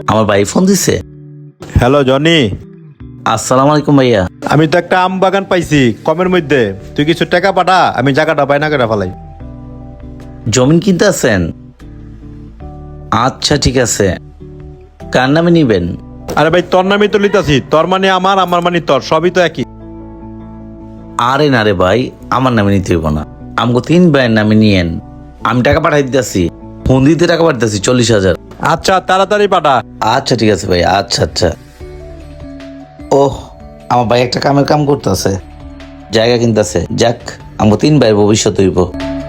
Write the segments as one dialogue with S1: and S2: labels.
S1: আমার ভাই ফোন দিছে।
S2: হ্যালো জনি,
S1: আসসালামু আলাইকুম ভাইয়া।
S2: আমি তো একটা আম বাগান পাইছি কমের মধ্যে, তুই কিছু টাকা পাঠা, আমি জায়গাটা বাইনা করে ফেলাই।
S1: জমিন কিনতে আছেন? আচ্ছা ঠিক আছে, কার নামে নিবেন?
S2: আরে ভাই তোর নামই তো লিতাছি, তোর মানে আমার, আমার মানে তোর, সবই তো একই।
S1: আরে না রে ভাই, আমার নামে নিতে হইব না, আমগো 3 ভাইয়ের নামে নিয়েন। আমি টাকা পাঠাই দিতেছি, ফোন দিতে টাকা পাঠাইতেছি 40,000।
S2: আচ্ছা তাড়াতাড়ি পাঠা।
S1: আচ্ছা ঠিক আছে ভাই, আচ্ছা আচ্ছা। ওহ, আমার ভাই একটা কাম করতেছে, জায়গা কিনতেছে। যাক, আমগো 3 ভাইয়ের ভবিষ্যৎ হইব।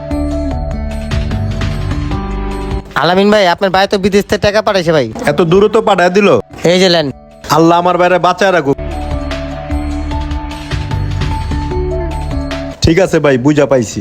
S3: আলামিন ভাই, আপনার ভাই তো বিদেশ থেকে টাকা পাঠাইছে ভাই।
S2: এত দূর তো পাঠায় দিল।
S3: এই যে লেন।
S2: আল্লাহ আমার বাইরে বাঁচায় রাখুক। ঠিক আছে ভাই, বুঝা পাইছি।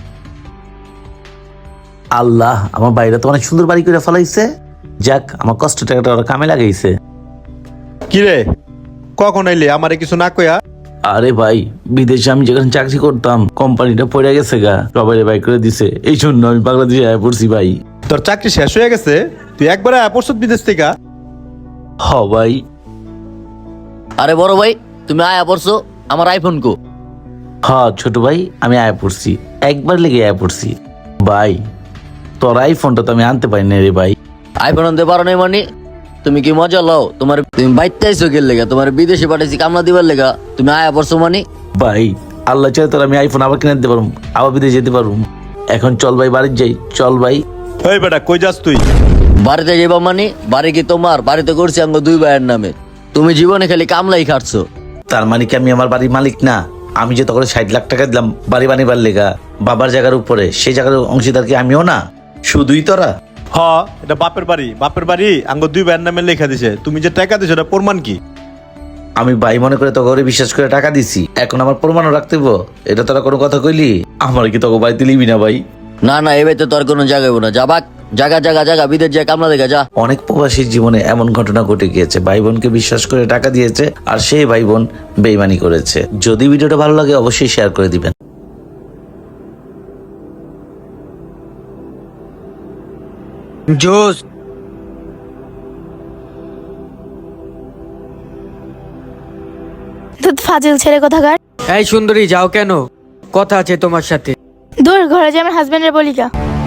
S1: আল্লাহ, আমার বাইরে তো অনেক সুন্দর বাড়ি করে ফেলাইছে। যাক, আমার কষ্ট টাকাটা ওরা কামে লাগাইছে।
S2: কিরে, কখন আইলি আমারে কিছু না কইয়া?
S1: আরে ভাই, বিদেশে আমি যেখানে চাকরি করতাম কোম্পানিটা পড়ে গেছে গা, সবাই বাই করে দিছে, এই জন্য আমি বাংলাদেশে আয়া পড়ছি ভাই।
S2: তোর চাকরি শেষ হয়ে গেছে, তুই একবারে পরশু বিদেশ থেকে?
S1: হ ভাই।
S4: আরে বড় ভাই, তুমি আয়া পড়ছো, আমার আইফোন কো?
S1: হ ছোট ভাই, আমি আয়া পড়ছি, একবার লেগে আয়া পড়ছি। ভাই, তোর আইফোনটা তো আমি আনতে পারি না রে ভাই।
S4: আইফোন আনতে পারো নাই মানে? তুমি কি মজা লও? তুমি বাইতে আইছো গেল লেগা, তোমার বিদেশে পাঠাইছি কামলা দিবার লেগা, তুমি আয়া পড়ছো মানে?
S1: ভাই, আল্লাহ চাই তোর আমি আইফোন আবার কিনে দিতে পারবো, আবার বিদেশে যেতে পারবো। এখন চল ভাই, বাড়ি যাই, চল ভাই।
S2: এই বেটা, কই যাস তুই?
S4: বাড়িতে যাইবা মানে? বাড়ি কি তোমার? বাড়িতে করছি আঙ্গ 2 ভাইয়ের নামে, তুমি জীবনে খালি কামলাই খাটছো।
S1: তার মানে কি আমি আমার বাড়ির মালিক না? আমি যে তখন 60 লাখ টাকা দিলাম বাড়ি বানিবার লেগা বাবার জায়গার উপরে, সেই জায়গার অংশীদার কি আমিও না? শুধুই তোরা?
S2: হ, এটা বাপের বাড়ি, বাপের বাড়ি আঙ্গ 2 ভাইয়ের নামে লেখা দিছে। তুমি যে টাকা দিছো এটা প্রমাণ কি?
S1: আমি ভাই মনে করে তোকে ওরে বিশ্বাস করে টাকা দিছি, এখন আমার প্রমাণও রাখতে হইব? এটা তোরা কোনো কথা কইলি? আমার কি তোকে বাড়িতে লিবি না ভাই?
S4: না না, এবার তো তোর কোনো জায়গা হইব না, যা বাক, জায়গা জায়গা জায়গা, বিদেশ যায় কামলা দেখা যা।
S1: অনেক প্রবাসীর জীবনে এমন ঘটনা ঘটে গিয়েছে, ভাই বোনকে বিশ্বাস করে টাকা দিয়েছে আর সেই ভাই বোন বেইমানি করেছে। যদি ভিডিওটা ভালো লাগে অবশ্যই শেয়ার করে দিবেন।
S3: জোস।
S5: তো ফাজিল ছেলে কোথাকার।
S6: এই সুন্দরী, যাও কেন? কথা আছে তোমার সাথে।
S5: দূর, ঘরে যে আমার হাজবেন্ডের বলিকা।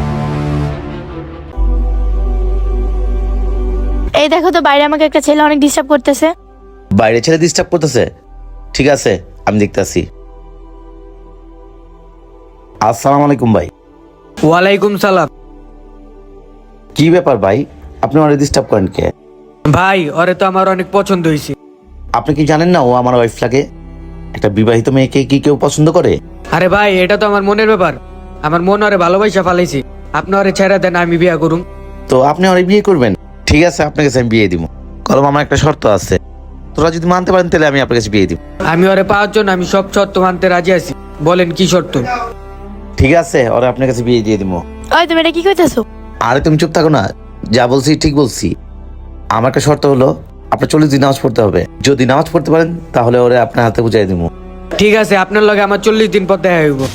S5: এই দেখো তো, বাইরে আমাকে একটা ছেলে অনেক ডিস্টার্ব করতেছে।
S1: বাইরে ছেলে ডিস্টার্ব করতেছে? ঠিক আছে, আমি দেখতেছি। আসসালামু আলাইকুম ভাই।
S6: ওয়ালাইকুম সালাম।
S1: কি ব্যাপার ভাই, আপনি ওরে ডিস্টার্ব করেন কে?
S6: ভাই, ওরে তো আমার অনেক পছন্দ হয়েছে।
S1: আপনি কি জানেন না ও আমার ওয়াইফ লাগে? একটা বিবাহিত মেয়েকে কি কেউ পছন্দ করে?
S6: আরে ভাই, এটা তো আমার মনের ব্যাপার। আমার মন ওরে ভালোবাসা ফালাইছি। আপনি ওরে ছেড়ে দেন, আমি বিয়া করুম।
S1: তো আপনি ওরে বিয়ে করবেন? ঠিক আছে, আপনার কাছে আমি বিয়ে দিব। কলম, আমার একটা শর্ত আছে, তোরা যদি মানতে পারেন তাহলে আমি আপনার কাছে বিয়ে দিব।
S6: আমি ওরে পাওয়ার জন্য আমি সব শর্ত মানতে রাজি আছি। বলেন কি শর্ত?
S1: ঠিক আছে, ওরা আপনার কাছে বিয়ে দিয়ে দিব।
S5: ওই, তুমি এটা কি কইতেছো?
S1: আরে তুমি চুপ থাকো না, যা বলছি ঠিক বলছি। আমার একটা শর্ত হলো, আপনার 40 দিন নামাজ পড়তে হবে। যদি নামাজ পড়তে পারেন তাহলে ওরে আপনার হাতে বুঝাই দিব।
S6: ঠিক আছে, আপনার লগে আমার 40 দিন পর দেখা হইব।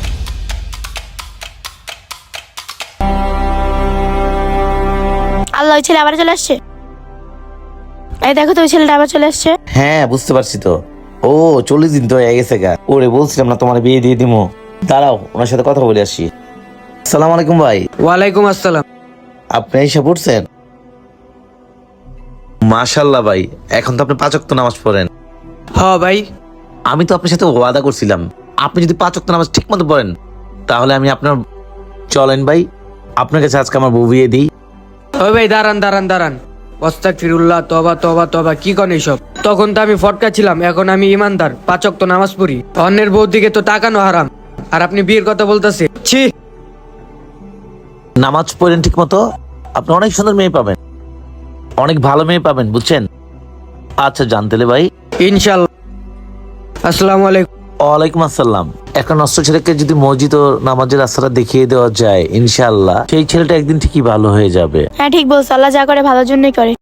S5: আল্লাহ, ওই ছেলে আবার চলে আসছে। এই দেখো তো, ওই ছেলেটা আবার চলে আসছে।
S1: হ্যাঁ বুঝতে পারছি তো। ও 40 দিন তো হয়ে গেছে গা। ওরে বলছিলাম না তোমার বিয়ে দিয়ে দিব। দাঁড়াও, ওনার সাথে কথা বলে আসি। আসসালামু আলাইকুম ভাই।
S6: ওয়ালাইকুম আসসালাম।
S1: আপনি এসে পড়ছেন? মাশাল্লাহ ভাই, এখন তো আপনি 5 ওয়াক্ত নামাজ পড়েন।
S6: হ ভাই।
S1: আমি তো আপনার সাথে ওয়াদা করছিলাম, আপনি যদি 5 ওয়াক্ত নামাজ ঠিক মতো পড়েন তাহলে আমি আপনার, চলেন ভাই আপনার কাছে আজকে আমার বউ বিয়ে দিই।
S6: ওই ভাই, দাঁড়ান দাঁড়ান দাঁড়ান। আস্তাগফিরুল্লাহ, তওবা তওবা তওবা, কি কোন এইসব? তখন তো আমি ফটকা ছিলাম, এখন আমি ইমানদার, 5 ওয়াক্ত নামাজ পড়ি। অন্যের বউ দিকে তো তাকানো হারাম, আর আপনি বিয়ের কথা বলতেছে? ছি।
S1: নামাজ পড়েন ঠিক মতো, আপনি অনেক সুন্দর মেয়ে পাবেন, অনেক ভালো মেয়ে পাবেন, বুঝছেন? আচ্ছা জানতেলে ভাই।
S6: ইনশাল্লাহ। আসসালামু আলাইকুম।
S1: ওয়ালাইকুম আসসালাম। একটা নষ্ট ছেলেকে যদি মসজিদ ও নামাজের রাস্তাটা দেখিয়ে দেওয়া যায়, ইনশাআল্লাহ সেই ছেলেটা একদিন ঠিকই ভালো হয়ে যাবে।
S5: হ্যাঁ ঠিক বলছো, আল্লাহ যা করে ভালোর জন্যই করে।